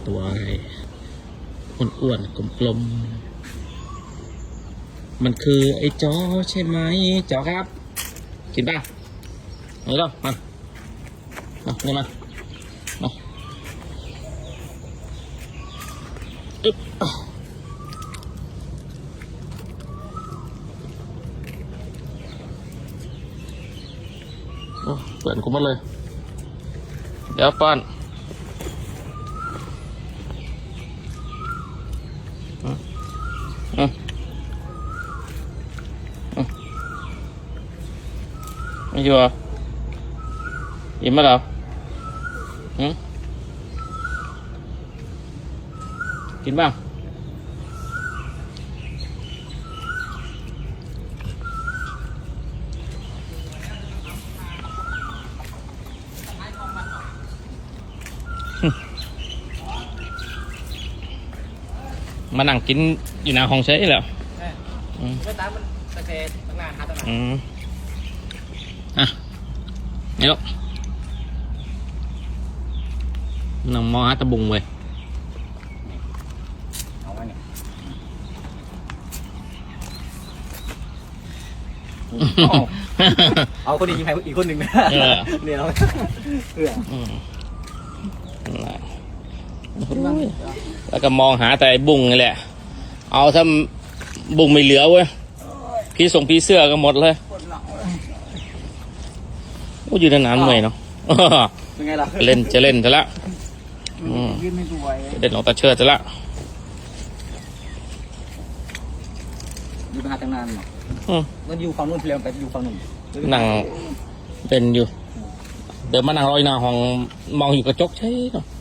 ตัวอ้วนๆกลมๆมันคือไอ้จอใช่ไหมจอครับกินป่ะนี่แล้วมานี่มาอึ๊บโอ้เปิดกูหมดเลยเดี๋ยวป้อนไม่อยู่อ่ะอิ่มไหมเรากินบ้างมานั่งกินอยู่หน้าห้องใช่แล้วไม่ตามมันตะเกียบตั้งนานหาตั้งนานอ่ะนี่ลูกน้องมอหาตะบุงเว้ยเอาไว้เนี่ยเอาคนนี้ยิงใครอีกคนหนึ่งนะเนี่ยเราแล้วก็มองหาแต่บุ้งนี่แหละเอาถ้าบุ้งไม่เหลือเว้ยพี่ส่งพี่เสื้อก็หมดเลยโอ้ยืนนานๆหน่อยเนาะเป็นไงล่ะเล่นจะเล่นซะละยืนไม่สวยเล่นออกตาเชิดซะละอยู่มาตั้งนานเนาะมันอยู่ฝั่งนู้นเปลี่ยนไปอยู่ฝั่งนู้นนั่งเล่นอยู่เดี๋ยวมานั่งรอยหน้าห้องมองอยู่กระจกใช่เนาะ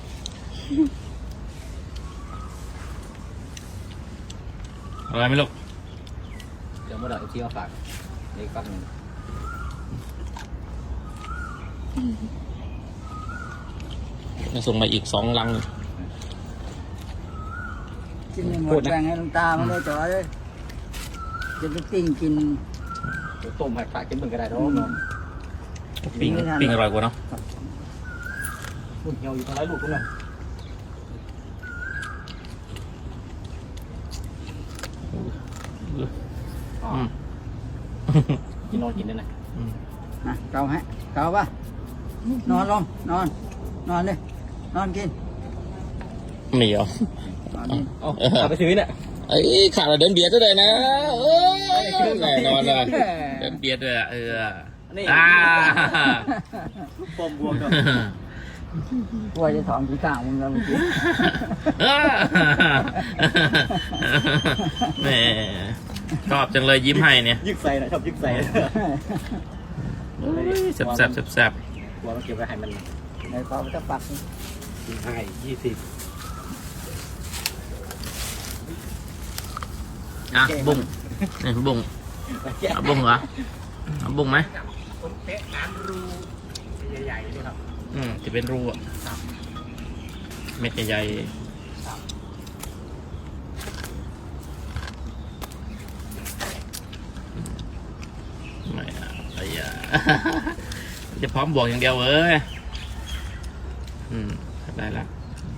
อะไรไม่รู้เดี๋ยวมาเดี๋ยวที่เอาฝากในฝั่งนึงส่งมาอีก2 ลังกินหมดแบ่งให้ลุงตามาเลยจ่อเลยจะไปปิ้งกินต้มให้ฝากกินเหมือนกันได้เนาะปิ้งอร่อยกว่าเนาะหุ่นเหี่ยวอยู่ทางไหนลูกคุณน่ะกินนอนกินได้ไหมเกาฮะเกาป่ะนอนลงนอนเลยนอนกินไม่เหรอเอาไปซื้อเนี่ยไอ้ขาดเดินเบียดด้วยนะแน่นอนเลยเดินเบียดด้วยนี่ปมบวมด้วยกลัวจะถอนขี้ข้างมึงแล้วเมื่อกี้แหมชอบจังเลยยิ้มให้เนี่ยยึกใส่นะชอบยึกใส่แซ่บกลัวมันเก็บไว้ให้มันในกรอบจะปักกินให้20 บุ้งนี่บุ้งบุ้งเหรอบุ้งไหมคนเตะน้ำรูใหญ่ๆนี่ครับจะเป็นรูอ่ะเม็ดใหญ่ไม่อะไรอ่ะจะพร้อมบวกอย่างเดียวเว้ยได้แล้ว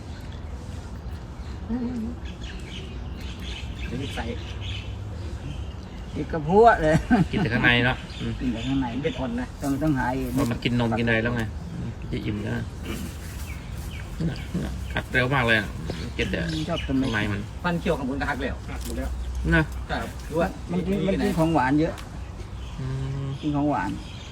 ยึกใส่กินกระพุ้เลยกินแต่ข้างในเนาะกินแต่ข้างในเบ็ดอ่อนนะต้องหายมันกินนมกินอะไรแล้วไงจะอิ่มแล้วกัดเร็วมากเลยกินแต่ชอบทำไมมันฟันเคี้ยวของบนกระหักแล้วหมดแล้วนะด้วยมันกินของหวานเยอะกินของหวาน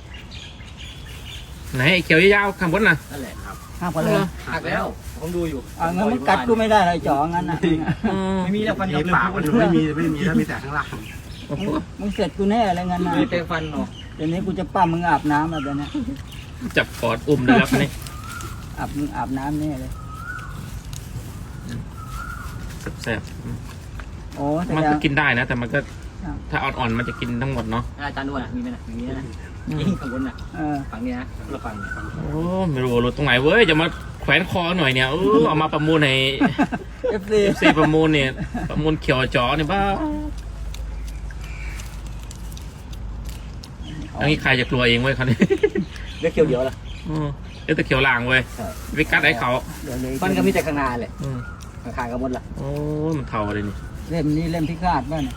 ไหนเขียวยาวข้างบนน่ะนั่นแหละครับหักไปเลยหักแล้วผมดูอยู่งั้นมันกัดกูไม่ได้เลยจ่องั้นนะไม่มีแล้วฟันยับปากมันไม่มีแล้วมีแต่ข้างล่างมึงเสร็จกูแน่อะไรงั้นนะมีแต่ฟันเนาะเดี๋ยวนี้กูจะปั้มมึงอาบน้ำแล้วเดี๋ยวนี้จับกอดอุ้มเลยครับนี่มึงอาบน้ำแน่เลยแซ่บโอ้มันก็กินได้นะแต่มันก็ถ้าอ่อนๆมันจะกินทั้งหมดเนาะอาจารย์ด้วยมีไหมนะอย่างนี้นะยิ่งข้างบนน่ะฝั่งนี้นะเราฝั่งโอ้ไม่รู้รถตรงไหนเว้ยจะมาแขวนคอหน่อยเนี่ยเอามาประมูลให้ FC ประมูลเนี่ยประมูลเขียวจ๋อเนี่ยบ้าอันนี้ใครจะกลัวเองเว้ยคันนี้เลือกเขียวเดียวล่ะตะเขียวล่างเว้ยไปกัดไอ้เขาเดี๋ยวเลยมันก็มีแต่ข้างหน้าเลยอืมข้างๆก็หมดละโอ้ยมันเท่าเลยนี่เล่มนี้เล่มที่คาดบ้างเนี่ย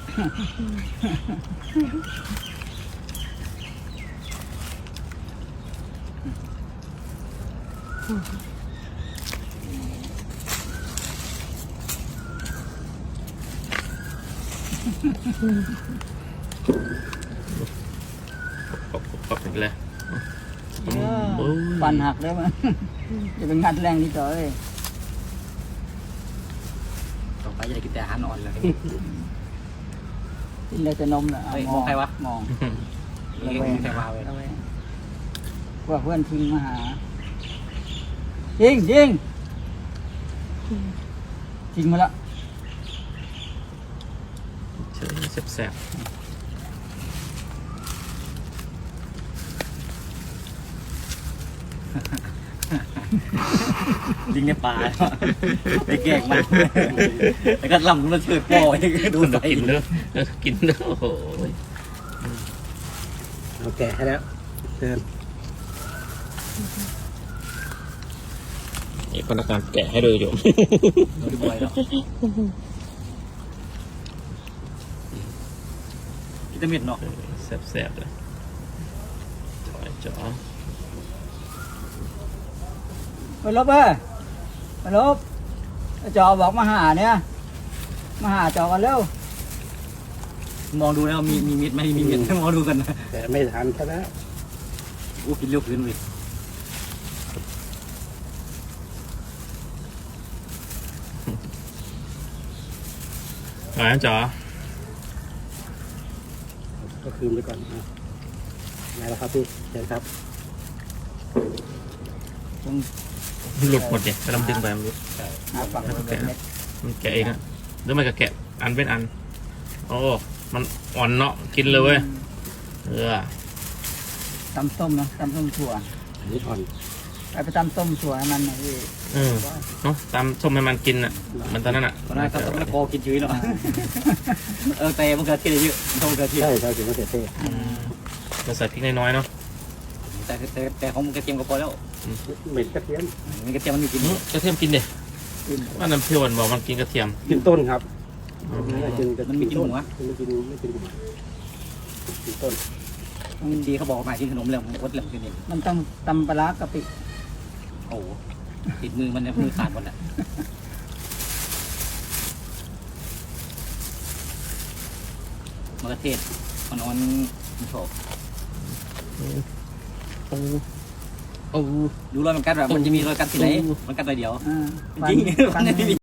ปรับอีกเลยฟันหักแล้วมันจะเป็นงัดแรงที่ต่อเลยต่อไปจะได้กินแต่อาหารอ่อนเลยกินเลยจะนมแหละเฮ้ยมองใครวะมองนี่ก็มีแต่มาเว้ยระแวงว่าเพื่อนทิ้งมาหายิงทิ้งมาแล้วเฉยแสบลิงในป่าไปแกล้งมันแล้วก็ลำมันเชิดโป้ยดูๆไปกินเด้อกินเด้อโอ้โหเอาแกะให้แล้วเชิญนี่พนักงานแกะให้เลยอยู่ดูบ่อยแล้วกินแต่เม็ดเนาะแสบเลยจ๋อไปลบไปลบจอบอกมาหาเนี่ยมาหาจอกันเร็วมองดูแล้วมีเม็ดไหมมีเม็ดมองดูกันนะแต่ไม่ทันแค่แล้วอู้กินเร็วขึ้นเว้ยมาแล้วจ๋อก็คืนไปก่อนนะไหนแล้วครับพี่เชิญครับหลุดหมดเนี่ยกำลังดึงไปมันหลุดหาฝั่งเม็ดมันแกะเองอะหรือมันก็แกะอันเป็นอันโอ้มันอ่อนเนาะกินเลยเว้ยตำส้มนะตำส้มถั่วอันนี้อ่อนไปตำส้มถั่วให้มันหน่อยพี่เนาะตามส้มให้มันกินอ่ะมันตอนนั้นอ่ะตอนนั้นก็ต้องโกกินชื้นเนาะแต่มันเกิดที่เยอะต้องเกิดที่ใช่ใช่ถึงมะเขือเทศเราใส่พริกน้อยๆเนาะแต่ของกระเทียมก็พอแล้วเหม็นกระเทียมมีกระเทียมมันมีกินกระเทียมกินดิว่าน้ำเพียวมันบอกมันกินกระเทียมกินต้นครับมันมีกินหัวไม่กินหัวกินต้นทีเขาบอกมากินขนมแล้วอดแล้วกินเองมันต้องตำปลาร้ากะปิโอ้ติดมือมันมือขาดหมดอ่ะมะเขือเทศมันอ่อนมันโฉบโอ้ดูรอยมันกัดแบบมันจะมีรอยกัดที่ไหนมันกัดรอยเดียวอ่าจริงฟัน